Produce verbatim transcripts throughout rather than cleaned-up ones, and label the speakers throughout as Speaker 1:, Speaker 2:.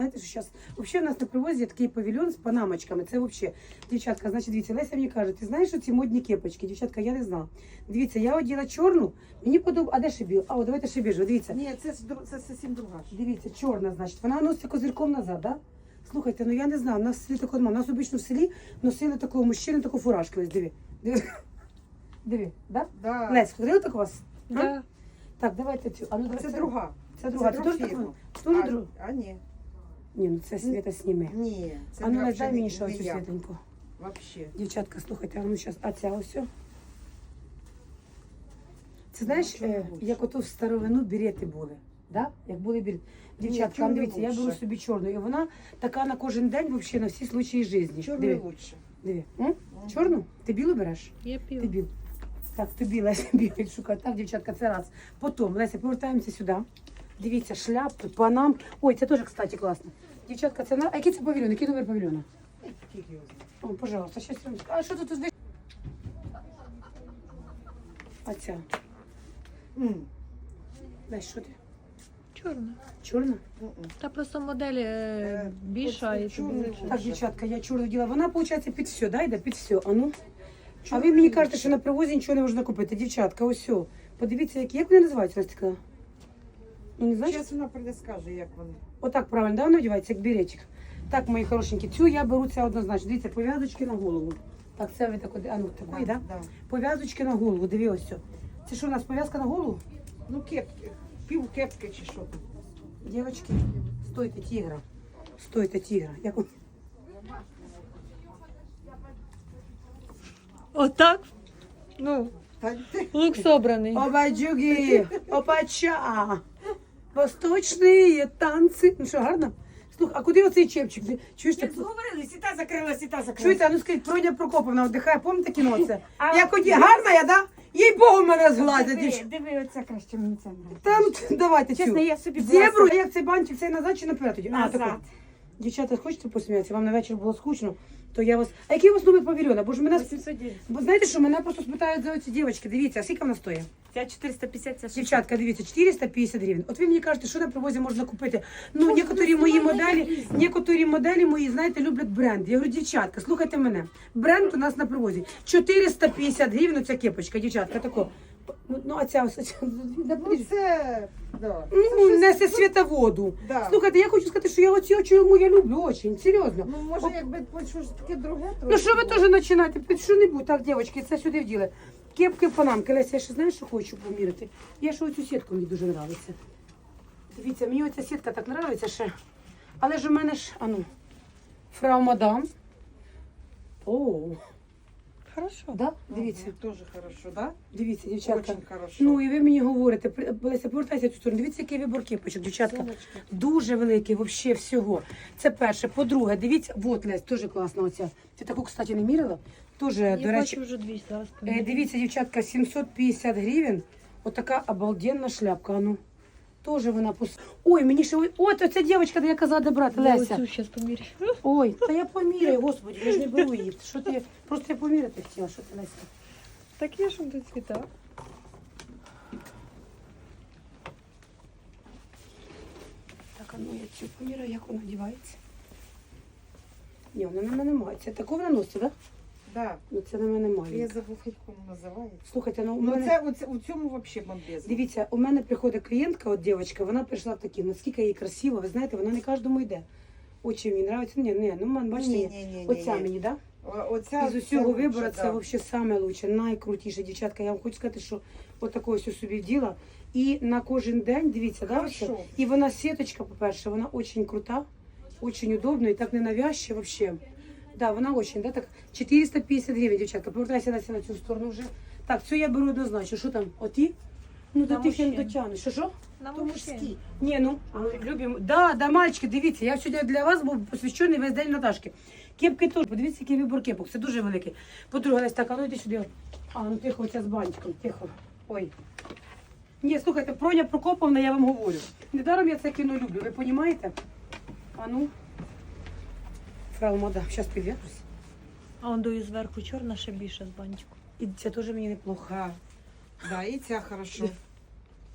Speaker 1: Знаєте, що зараз взагалі у нас на привозі є такий павільйон з панамочками. Це взагалі, дівчатка, значить, дивіться, Леся мені каже, ти знаєш, що ці модні кепочки? Дівчатка, я не знала. Дивіться, я оділа чорну, мені подобається. А де ще біл? А, о, давайте ще біжу, дивіться.
Speaker 2: Ні, це, ж дру- це зовсім друга. ж.
Speaker 1: Дивіться, чорна, значить, вона носиться козирком назад, да? Слухайте, ну я не знаю, у нас в селі такого немає. У нас обично в селі носили такого мужчини, таку фуражку. Ось диви. Диви. Диви, да?
Speaker 2: Да.
Speaker 1: Лесь, ходили так у вас? А?
Speaker 3: Да.
Speaker 1: Так, давайте цю. А ну, давай,
Speaker 2: Це друга.
Speaker 1: Це друга. Це
Speaker 2: друга
Speaker 1: теж така?
Speaker 2: фірма.
Speaker 1: Теж
Speaker 2: А,
Speaker 1: друга?
Speaker 2: а ні.
Speaker 1: Ні, ну це Світа сніме.
Speaker 2: Ні. Це
Speaker 1: А ну,
Speaker 2: не
Speaker 1: Лесь, дай
Speaker 2: взагалі
Speaker 1: мені
Speaker 2: не-
Speaker 1: ще
Speaker 2: не
Speaker 1: оцю
Speaker 2: я.
Speaker 1: світеньку.
Speaker 2: Вообще.
Speaker 1: Дівчатка, слухайте, а ну зараз, а ця ось. Це знаєш,
Speaker 2: Ну, чому
Speaker 1: е,
Speaker 2: лучше?
Speaker 1: як ото в старовину берети були. Да? Як були берети. Дівчатка,
Speaker 2: чому
Speaker 1: а дивіться, я
Speaker 2: лучше?
Speaker 1: беру собі чорну, і вона така на кожен день, взагалі, на всі случаї житті.
Speaker 2: Чорний
Speaker 1: Диви,
Speaker 2: лучше.
Speaker 1: диви. М? Чорну? Ти білу береш?
Speaker 3: Я
Speaker 1: Ти
Speaker 3: пів.
Speaker 1: біл. Так, тобі Леся білий шукає. Так, дівчатка, це раз. Потім, Леся, повертаємося сюди. Дивіться, шляпки, панам. Ой, це теж, кстати, класно. Дівчатка, це на... А який це павільйон? Який номер павільйона?
Speaker 2: Скільки його знає?
Speaker 1: О, пожалуйста, щас я вам скажу. А що тут? тут? А ця?
Speaker 2: М.
Speaker 1: Лесь, що ти?
Speaker 3: Чорна.
Speaker 1: Чорна?
Speaker 2: М-м.
Speaker 3: Та просто модель е,
Speaker 2: Е,
Speaker 3: більша
Speaker 2: оце
Speaker 3: і
Speaker 2: чорний
Speaker 3: тобі.
Speaker 1: Так, дівчатка, я чорну діла. Вона, виходить, під все, да, йде? Під все. А ну? А ви мені кажете, що на привозі нічого не можна купити. Дівчатка, ось все. Подивіться, які, як вони називаються, Настя? Ну, не знаєш?
Speaker 2: Зараз вона прийде, скаже, як вони.
Speaker 1: Отак правильно, да, вона одягається, як беретик. Так, мої хорошенькі, цю я беру це однозначно. Дивіться, пов'язочки на голову. Так, це ви так, а ну, такої, да?
Speaker 2: Да.
Speaker 1: Пов'язочки на голову, диви ось все. Це що у нас, пов'язка на голову?
Speaker 2: Ну, кепки. Пів кепки чи що там.
Speaker 1: Дівчатки, стойте, тігра. Стойте, тігра. Як... он-
Speaker 3: Отак? Ну,
Speaker 2: Та ти.
Speaker 3: лук собраний.
Speaker 1: Обаджуги, опача, восточні танці. Ну що, гарно? Слухай, а куди оцей чепчик? Ти Чуєш, так?
Speaker 2: Говорили, сіта закрила, сіта закрила.
Speaker 1: Чуєте, а ну скажіть, Проня Прокоповна віддихає, пам'ятаєте кіно це?
Speaker 2: А,
Speaker 1: Як оді, гарна я, да? Їй Богу мене згладять.
Speaker 2: Диви,
Speaker 1: дівч-
Speaker 2: диви, оце краще мені це нравиться.
Speaker 1: Та ну давайте
Speaker 2: Чесно,
Speaker 1: цю.
Speaker 2: я собі
Speaker 1: Зебру,
Speaker 2: була-
Speaker 1: як цей банчик, цей назад чи наперед тоді? А,
Speaker 2: Назад.
Speaker 1: таку. Дівчата, хочете посміятися? Вам на вечір було скучно, то я вас... А який у вас номер павільйона? Бо ж мене...
Speaker 2: вісімсот дев'ять.
Speaker 1: Бо знаєте що, мене просто спитають за оці дівчатки. Дивіться, а скільки вона стоїть?
Speaker 2: Ця чотириста п'ятдесят, ця шістдесят.
Speaker 1: Дівчатка, дивіться, чотириста п'ятдесят гривень. От ви мені кажете, що на привозі можна купити. Ну, некоторі мої моделі, некоторі моделі мої, знаєте, люблять бренд. Я говорю, дівчатка, слухайте мене. Бренд у нас на привозі. чотириста п'ятдесят гривень, оця кепочка, дівчатка, тако. Ну, ну а ця ось, оця,
Speaker 2: Ну, це, да.
Speaker 1: ну, несе світоводу.
Speaker 2: Да.
Speaker 1: Слухайте, я хочу сказати, що я оці очі йому я люблю очень, серйозно.
Speaker 2: Ну, може, якби щось таке друге
Speaker 1: Ну що ви теж починаєте? Під що-небудь, так, дівчатки, це сюди вділи. Кепки, панамки. Леся, я ще знаєш, що хочу поміряти? Я ще оцю сітку мені дуже подобається. Дивіться, мені оця сітка так подобається ще. Але ж у мене ж, а ну, фрау мадам. О,
Speaker 3: Хорошо.
Speaker 1: да? Дивіться,
Speaker 2: Дуже хорошо, да?
Speaker 1: дивіться, дівчатка.
Speaker 2: Очень хорошо.
Speaker 1: Ну і ви мені говорите, при- Леся, повертайся в цю сторону. Дивіться, який вибор кепочок, дівчатка.
Speaker 2: Сонечко.
Speaker 1: Дуже великий, взагалі всього. Це перше. По-друге, дивіться, от Лесь, теж класна оця. Ти таку, кстати, не міряла? Тоже,
Speaker 3: Я
Speaker 1: до речі,
Speaker 3: бачу вже двісті. Зараз
Speaker 1: Е,
Speaker 3: поміряю.
Speaker 1: дивіться, дівчатка, сімсот п'ятдесят гривень. Отака обалденна шляпка. А ну, тоже вона пос... Ой, мені ще... Ой, от оця дівчинка, де я казала, де брати,
Speaker 3: Я
Speaker 1: Леся.
Speaker 3: оцю зараз поміряю.
Speaker 1: Ой, та я поміряю, господи, я ж не беру її. Що ти, просто я поміряти хотіла, що ти, Леся.
Speaker 3: Так є ж тут цвіта.
Speaker 1: Так, а ну, я цю поміряю, як вона одягається. Ні, вона на мене має. Це таку вона носить, так? Да?
Speaker 2: Да.
Speaker 1: Ну, це на мене
Speaker 2: Я
Speaker 1: має.
Speaker 2: забув, як воно називається.
Speaker 1: Слухайте, ну, у
Speaker 2: Ну,
Speaker 1: мене...
Speaker 2: це, оце, у цьому взагалі бомбезно.
Speaker 1: Дивіться, у мене приходить клієнтка, от дівчинка, вона прийшла в такі, наскільки їй красиво, ви знаєте, вона не кожному йде. Очі мені подобається. Ні, ні, ну man, бачите,
Speaker 2: Ні, ні, ні, ні,
Speaker 1: оця
Speaker 2: ні.
Speaker 1: мені, да?
Speaker 2: О- Оця,
Speaker 1: Із усього
Speaker 2: це
Speaker 1: вибору
Speaker 2: лучше,
Speaker 1: це
Speaker 2: да.
Speaker 1: взагалі саме лучше, найкрутіше, дівчатка. Я вам хочу сказати, що отакого ось собі вділа. І на кожен день, дивіться, да,
Speaker 2: Хорошо.
Speaker 1: ось? І вона сіточка, по-перше, вона дуже крута, дуже удобна і так не навязчива взагалі. Да, вона очень, да, так, чотириста п'ятдесят гривень, дівчатка, повертайся Леся, на цю сторону вже. Так, цю я беру однозначно, що там, оті? Ну, до
Speaker 3: На
Speaker 1: тих я не
Speaker 3: мужчин.
Speaker 1: дотягну. Що, що?
Speaker 3: На
Speaker 2: То
Speaker 3: мужчин.
Speaker 2: мужські.
Speaker 1: Ні, ну, ми любимо. Да, да, мальчики, дивіться, я сьогодні для вас був посвящений весь день Наташки. Кепки теж, подивіться, який вибор кепок, це дуже великий. По-друге, Лесь, так, а ну йди сюди. А, ну тихо, оця з бантиком, тихо. Ой. Ні, слухайте, Проня Прокоповна, я вам говорю. Недаром я це кіно люблю, ви розумієте? А ну. Фрау Мада, зараз підв'яжусь.
Speaker 3: А он дою зверху чорна, ще більше з бантиком.
Speaker 1: І це теж мені неплохо.
Speaker 2: Да. Да, і ця хорошо.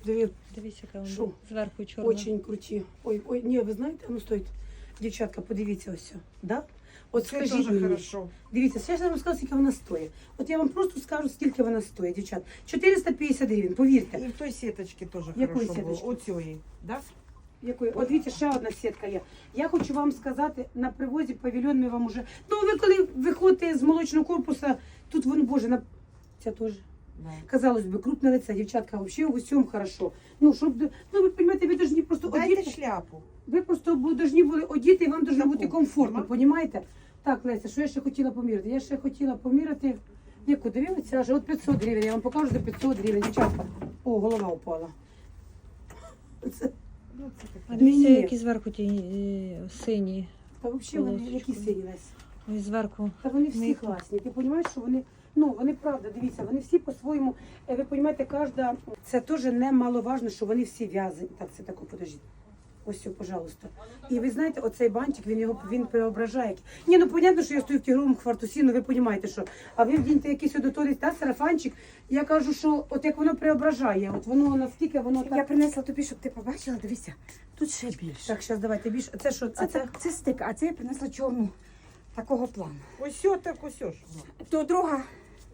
Speaker 1: Диви,
Speaker 3: Дивіться, яка
Speaker 1: Що?
Speaker 3: вона зверху чорна.
Speaker 1: очень круті. Ой, ой, ні, ви знаєте, ну стоїть. Дівчатка, подивіться ось. Да? От
Speaker 2: Це
Speaker 1: скажіть
Speaker 2: дуже
Speaker 1: мені.
Speaker 2: хорошо.
Speaker 1: Дивіться, ще ж я вам скажу, скільки вона стоїть. От я вам просто скажу, скільки вона стоїть, дівчат. чотириста п'ятдесят гривень, повірте.
Speaker 2: І в той сіточці теж
Speaker 1: Якої
Speaker 2: хорошо було.
Speaker 1: сіточки?
Speaker 2: Оцієї, да?
Speaker 1: Якої? От дивіться, ще одна сітка є. Я хочу вам сказати, на привозі павільйон ми вам уже. Ну, ви коли виходите з молочного корпусу, тут воно, боже, на. Ця теж.
Speaker 2: Да.
Speaker 1: Казалось би, крупне лице, дівчатка, вообще в усьому хорошо. Ну, щоб, ну, ви розумієте, ви повинні просто
Speaker 2: Дайте
Speaker 1: одіти.
Speaker 2: шляпу.
Speaker 1: Ви просто повинні були одіти, і вам повинно
Speaker 2: Таку,
Speaker 1: бути комфортно,
Speaker 2: нема?
Speaker 1: понімаєте? Так, Леся, що я ще хотіла поміряти? Я ще хотіла поміряти, яку дивилися, аж от п'ятсот гривень, я вам покажу за п'ятсот гривень, дівчатка. О, голова упала. Це,
Speaker 2: Ну, це
Speaker 3: А
Speaker 2: таке.
Speaker 3: дивіться,
Speaker 1: Ні.
Speaker 3: які зверху ті е, сині.
Speaker 1: та взагалі вони
Speaker 3: Полосочку.
Speaker 1: які сині, Леся.
Speaker 3: Ось зверху.
Speaker 1: Та вони всі
Speaker 3: Мої-
Speaker 1: класні. Ти розумієш, що вони, ну, вони правда, дивіться, вони всі по-своєму, е, ви розумієте, кожна, це теж немаловажно, що вони всі в'язані. Так, це тако, подождіть. Ось все, пожалуйста. І ви знаєте, оцей бантик, він його він преображає. Ні, ну понятно, що я стою в тігровому хвартусі, ну ви розумієте, що. А ви вдіньте якийсь одоторість, та сарафанчик. Я кажу, що от як воно преображає, от воно наскільки воно
Speaker 4: Я
Speaker 1: так.
Speaker 4: принесла тобі, щоб ти побачила, дивися, тут ще більше.
Speaker 1: Так, зараз давайте більше. Це що?
Speaker 4: Це,
Speaker 1: А це?
Speaker 4: так, це стик, а це я принесла чорну такого плану.
Speaker 2: Ось о, так ось о ж.
Speaker 4: То друга,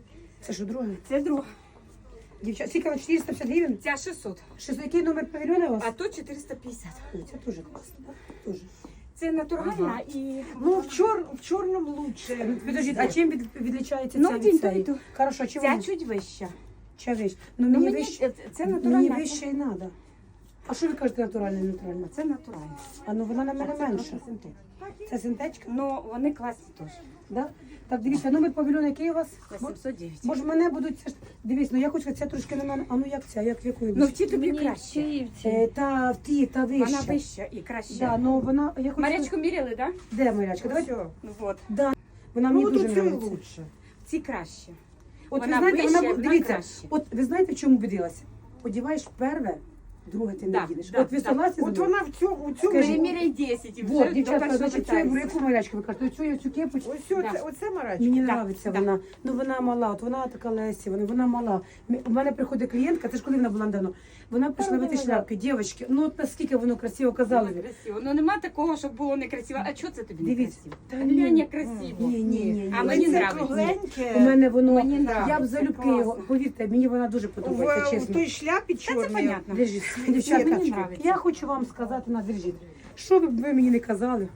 Speaker 1: Це що, друге?
Speaker 4: це друга.
Speaker 1: Дівчата, скільки вона? чотириста п'ятдесят гривень?
Speaker 4: Ця шістсот,
Speaker 1: Що, який номер павільйона у вас?
Speaker 4: а то чотириста п'ятдесят.
Speaker 1: Ой, це дуже класно. Дуже.
Speaker 4: Це натуральна
Speaker 2: Ага.
Speaker 4: і...
Speaker 2: Ну, в, чор... в чорному лучше.
Speaker 1: Підождіть, а чим від, відлічається
Speaker 4: Ну,
Speaker 1: ця
Speaker 4: один
Speaker 1: від
Speaker 4: то і
Speaker 1: цієї?
Speaker 4: то.
Speaker 1: Хорошо, а чим
Speaker 4: Ця
Speaker 1: вона?
Speaker 4: чуть вища.
Speaker 1: Ча вищ? Ну,
Speaker 4: Ну,
Speaker 1: мені
Speaker 4: мені
Speaker 1: вище,
Speaker 4: це
Speaker 1: мені
Speaker 4: натуральна.
Speaker 1: вище і треба. А що ви кажете натуральне, натуральне?
Speaker 4: Це натуральна.
Speaker 1: А ну вона на мене
Speaker 4: А це
Speaker 1: менша.
Speaker 4: трохи синтетика.
Speaker 1: Це синтечка?
Speaker 4: Ну, вони класні теж.
Speaker 1: Да? Так, дивіться, номер павільйона який у вас?
Speaker 4: Це сімсот дев'ять.
Speaker 1: Може, мене будуть, це ж, дивись, ну я хочу сказати, це трошки на мене, а ну як ця, як в якої
Speaker 4: Ну, в
Speaker 1: вище?
Speaker 4: ті тобі
Speaker 3: Мені
Speaker 4: краще.
Speaker 3: ці і в ці.
Speaker 1: Е, та в ті, та вища.
Speaker 4: Вона вища і краще.
Speaker 1: Да, ну вона, я хочу
Speaker 4: Марячку міряли, так?
Speaker 1: Де Марячка?
Speaker 2: Ось
Speaker 1: Давайте.
Speaker 2: о.
Speaker 4: Ну, от.
Speaker 1: Да. Вона мені
Speaker 2: Ну,
Speaker 1: дуже
Speaker 2: тут цю
Speaker 1: подобається.
Speaker 2: лучше.
Speaker 4: Ці краще.
Speaker 1: От
Speaker 4: Вона
Speaker 1: ви знаєте,
Speaker 4: вища,
Speaker 1: вона,
Speaker 4: вона
Speaker 1: дивіться,
Speaker 4: краще.
Speaker 1: от ви знаєте, в чому убедилася? Одіваєш перве, друге ти не
Speaker 4: Да,
Speaker 1: їдеш.
Speaker 4: да,
Speaker 1: От ви
Speaker 4: да.
Speaker 1: согласні з
Speaker 2: От
Speaker 1: мною?
Speaker 2: вона в цьому, у цьому.
Speaker 1: Скажи.
Speaker 4: Приміряй десять і вже
Speaker 1: Вот,
Speaker 4: до
Speaker 1: дівчатка,
Speaker 4: першого
Speaker 1: значить, цю
Speaker 4: питання.
Speaker 1: яку Марячку ви кажете, оцю я цю кепочку.
Speaker 2: Ось о,
Speaker 4: Да.
Speaker 2: це, оце марачка.
Speaker 1: Мені
Speaker 4: Да,
Speaker 1: подобається
Speaker 4: да.
Speaker 1: вона. Ну вона мала, от вона така Лесі, вона, вона мала. М- У мене приходить клієнтка, це ж коли вона була давно. Вона прийшла в ці шляпки, дівчатки, ну от наскільки воно красиво казали.
Speaker 4: Дуже красиво. Ну нема такого, щоб було некрасиво. А чого це тобі не
Speaker 1: Дивіться.
Speaker 4: красиво?
Speaker 1: Та
Speaker 4: Та
Speaker 1: ні.
Speaker 4: глянь, як красиво.
Speaker 1: Ні, ні, ні.
Speaker 4: А
Speaker 1: ні.
Speaker 4: мені
Speaker 2: Це
Speaker 4: нравиться.
Speaker 2: кругленьке.
Speaker 1: У мене воно,
Speaker 4: Мені
Speaker 1: я б
Speaker 4: нравиться,
Speaker 1: залюбки
Speaker 4: класно.
Speaker 1: його, повірте, мені вона дуже подобається,
Speaker 2: В, в
Speaker 1: чесно.
Speaker 2: той шляпі
Speaker 4: Та це
Speaker 2: чорній.
Speaker 4: понятно.
Speaker 1: Держіть, дівчатка,
Speaker 4: мені нравиться.
Speaker 1: я хочу вам сказати, на держіть. Що б ви мені не казали?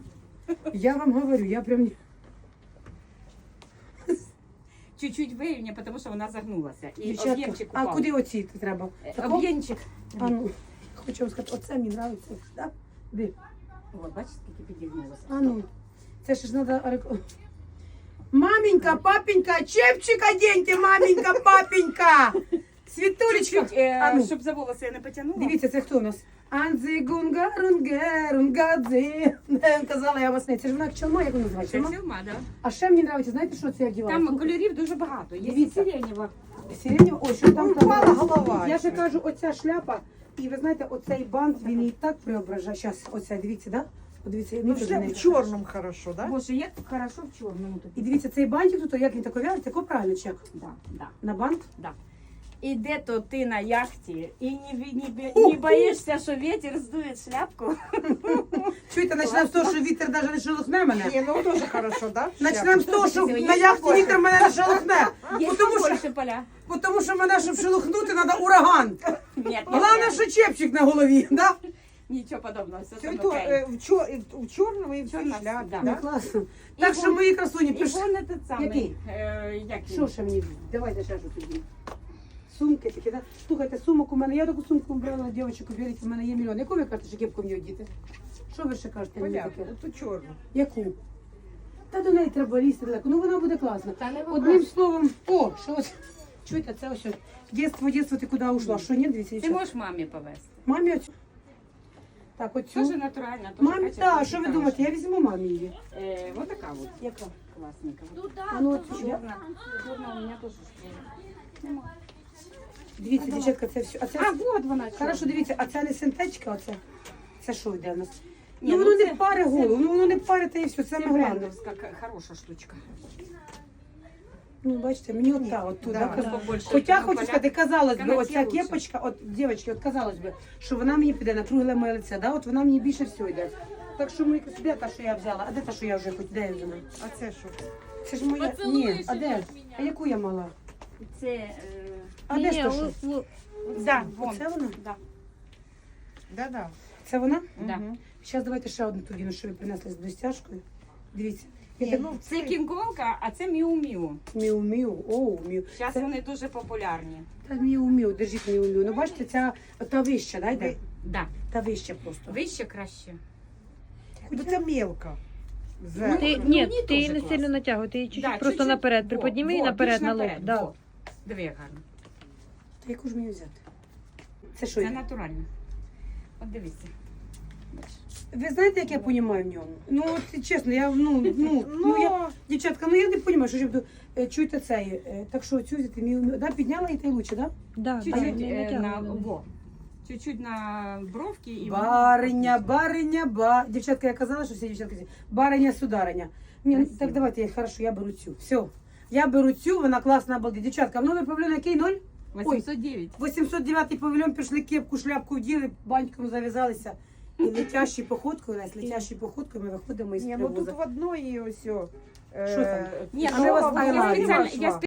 Speaker 1: Я вам говорю, я прям...
Speaker 4: Чуть-чуть вирівня, тому що вона загнулася. І
Speaker 1: Дівчатка,
Speaker 4: об'ємчик
Speaker 1: а
Speaker 4: упав.
Speaker 1: куди оці треба?
Speaker 4: Е,
Speaker 1: Тако?
Speaker 4: Об'ємчик.
Speaker 1: А ну, хочу вам сказати, оце мені подобається. Да? Де?
Speaker 4: О, бачиш, скільки підігнулося.
Speaker 1: А ну, це ж треба... Маменька, папенька, чепчик оденьте, маменька, папенька! Світулечка!
Speaker 4: Чуть-чуть, е,
Speaker 1: А ну.
Speaker 4: щоб за волоси я не потягнула.
Speaker 1: Дивіться, це хто у нас? Анзи гунгарунгерунгадзи. Казала я вас не. Це ж вона як чалма, як вона
Speaker 4: Це
Speaker 1: називається? Чалма?
Speaker 4: фільма, да.
Speaker 1: А ще мені подобається, знаєте, що це я вдівала?
Speaker 4: Там
Speaker 1: Слухай,
Speaker 4: кольорів дуже багато. Є
Speaker 1: Дивіться.
Speaker 4: сиренєва.
Speaker 1: сиренєва, ой, що там
Speaker 2: Упала
Speaker 1: там?
Speaker 2: голова.
Speaker 1: Я ще кажу, оця шляпа, і ви знаєте, оцей бант, він і так преображає. Зараз, оця, дивіться, да? Подивіться,
Speaker 2: Ну,
Speaker 1: мені
Speaker 2: в,
Speaker 1: теж
Speaker 2: шля...
Speaker 1: не-
Speaker 2: в чорному хорошо, да?
Speaker 4: Боже, як хорошо в чорному тобі.
Speaker 1: І дивіться, цей бантик тут, як він тако в'яжеться, тако правильно, чи як?
Speaker 4: Да, да.
Speaker 1: На бант?
Speaker 4: Да. І де то ти на яхті, і не, не, не, не боїшся, що вітер здує шляпку.
Speaker 1: Чуєте, почнемо з того, що вітер навіть не шелохне мене.
Speaker 2: Ні, ну теж хорошо, да?
Speaker 1: Почнемо з того, що
Speaker 4: Є
Speaker 1: на яхті
Speaker 4: побольше.
Speaker 1: вітер мене не шелохне.
Speaker 4: Є
Speaker 1: Тому що,
Speaker 4: побольше поля.
Speaker 1: тому що мене, щоб шелохнути, треба ураган.
Speaker 4: Ні,
Speaker 1: Головне, що чепчик на голові, да?
Speaker 4: нічого подобного, все
Speaker 2: Це
Speaker 4: там
Speaker 2: то,
Speaker 4: окей.
Speaker 2: е, в, чор... і в- в чорному і в цій
Speaker 4: Чорна,
Speaker 2: шляпі,
Speaker 4: да.
Speaker 1: Ну,
Speaker 2: да?
Speaker 1: класно.
Speaker 4: І
Speaker 1: Так що
Speaker 4: вон-
Speaker 1: мої красуні,
Speaker 4: І
Speaker 1: пиш...
Speaker 4: вон этот самий.
Speaker 1: Який?
Speaker 4: Е, як він?
Speaker 1: Що ще мені? Давайте ще щось тоді. Сумки такі, да? Слухайте, сумок у мене, я таку сумку брала, дівчинку, беріть, у мене є мільйон. Яку ви кажете, що кепку мені одіти? Що ви ще кажете мені
Speaker 2: Понятно,
Speaker 1: таке?
Speaker 2: ту чорну.
Speaker 1: Яку? Та до неї треба лізти далеко, ну вона буде класна.
Speaker 4: Та не
Speaker 1: Одним
Speaker 4: вопрос.
Speaker 1: словом, о, що ось, чуєте, це ось, дєтство, дєтство, ти куди ушла? Що, ні, дивіться,
Speaker 4: Ти
Speaker 1: дівчата?
Speaker 4: можеш мамі повезти.
Speaker 1: Мамі оцю. Так, оцю.
Speaker 4: Тоже натурально. тоже
Speaker 1: Мамі,
Speaker 4: качественно,
Speaker 1: так, що ви
Speaker 4: хороше.
Speaker 1: думаєте, я візьму мамі її.
Speaker 4: Е, вот така вот.
Speaker 1: Яка?
Speaker 4: Классненька.
Speaker 1: А ну, от, я-
Speaker 4: Черная. Черная у меня тоже шкура.
Speaker 1: Дивіться, дівчатка, це все. А це...
Speaker 4: А, вот вона.
Speaker 1: Хорошо,
Speaker 4: чорна.
Speaker 1: дивіться, а це не синтетика, оце? Це що йде в нас?
Speaker 4: Ні,
Speaker 1: ну
Speaker 4: ну
Speaker 1: воно
Speaker 4: це-
Speaker 1: не паре
Speaker 4: це-
Speaker 1: голову, ну воно не паре, та і все, це
Speaker 4: Це
Speaker 1: саме головне.
Speaker 4: брендовська, к- хороша штучка.
Speaker 1: Ну, бачите, мені от та, от туди.
Speaker 2: Да.
Speaker 1: казала.
Speaker 4: Побольше.
Speaker 1: Хоча
Speaker 4: Ну,
Speaker 1: хочу
Speaker 4: поля-
Speaker 1: сказати, казалось би,
Speaker 4: Канадські
Speaker 1: оця
Speaker 4: лучше.
Speaker 1: кепочка, от, дівчатки, от казалось би, що вона мені піде на кругле моє лице, да? От вона мені більше всього йде. Так що ми, де та, що я взяла? А де та, що я вже, хоч де я взяла?
Speaker 2: А це що?
Speaker 1: Це ж моя, ні, а де? А яку я мала?
Speaker 4: Це, е,
Speaker 1: А де ж
Speaker 3: Ні,
Speaker 1: то, що?
Speaker 3: у- у-
Speaker 4: да, вон.
Speaker 1: Оце вона?
Speaker 4: Да.
Speaker 2: Да-да.
Speaker 1: Це вона?
Speaker 4: Да.
Speaker 2: Мгм.
Speaker 1: Зараз давайте ще одну ту віну, що ви принесли з блестяшкою. Дивіться.
Speaker 2: Ні,
Speaker 1: Я так,
Speaker 2: ну,
Speaker 4: Це кінг-конга, а це міу-міу.
Speaker 1: міу-міу, оу, міу.
Speaker 4: Зараз
Speaker 1: Це-
Speaker 4: вони дуже популярні.
Speaker 1: Та міу-міу, держіть міу-міу. Ну бачите, ця та вища, да, йде?
Speaker 2: Ви-
Speaker 4: Да.
Speaker 1: Та вища просто.
Speaker 4: Вище краще.
Speaker 2: Ну це мелко.
Speaker 4: Ну,
Speaker 2: Зверху.
Speaker 3: Ти,
Speaker 4: Ну,
Speaker 3: ні,
Speaker 4: мені
Speaker 3: ти її
Speaker 4: дуже
Speaker 3: не
Speaker 4: класно.
Speaker 3: сильно натягуй, ти її чуть-чуть
Speaker 4: Да,
Speaker 3: просто
Speaker 4: чуть-чуть.
Speaker 3: наперед
Speaker 4: Во,
Speaker 3: приподніми і
Speaker 4: во,
Speaker 3: наперед
Speaker 4: більш
Speaker 3: на лоб.
Speaker 4: наперед,
Speaker 3: Да.
Speaker 4: во. Диви, як гарно.
Speaker 1: Та яку ж мені взяти? Це що?
Speaker 4: Це
Speaker 1: є?
Speaker 4: натурально. От дивіться. Бачиш?
Speaker 1: Ви знаєте, як я розумію в ньому? Ну, от, чесно, я, ну, ну, ну, я, дівчатка, ну я не розумію, що ж я буду, е, чуйте цей, е, так що цю взяти, міу, міу, да, підняла і та й лучше, да?
Speaker 3: Да, да,
Speaker 4: Чуть-чуть
Speaker 3: не
Speaker 4: е, на
Speaker 3: натягуй.
Speaker 4: во. Чуть-чуть на бровки і воно
Speaker 1: Бариня,
Speaker 4: отлично.
Speaker 1: бариня, ба. Дівчатка, я казала, що всі дівчатки, всі, бариня, судариня. Ні, ну,
Speaker 4: Красиво.
Speaker 1: так давайте, я, хорошо, я беру цю, все. Я беру цю, вона класна, обалдеть. Дівчатка, в номер павільон який, ноль?
Speaker 4: вісімсот дев'ять.
Speaker 1: вісімсот дев'ятий павільон, пішли кепку, шляпку вділи, баньком зав'язалися. І летящою походкою, Лесь, летящою походкою ми виходимо із
Speaker 2: Ні, ну тут
Speaker 1: привоза.
Speaker 2: в одної ось. о, е,
Speaker 1: Що там?
Speaker 4: Ні,
Speaker 1: А
Speaker 4: ну,
Speaker 1: ми вас
Speaker 4: я
Speaker 1: поймали.
Speaker 4: спеціально, я
Speaker 2: Пошла.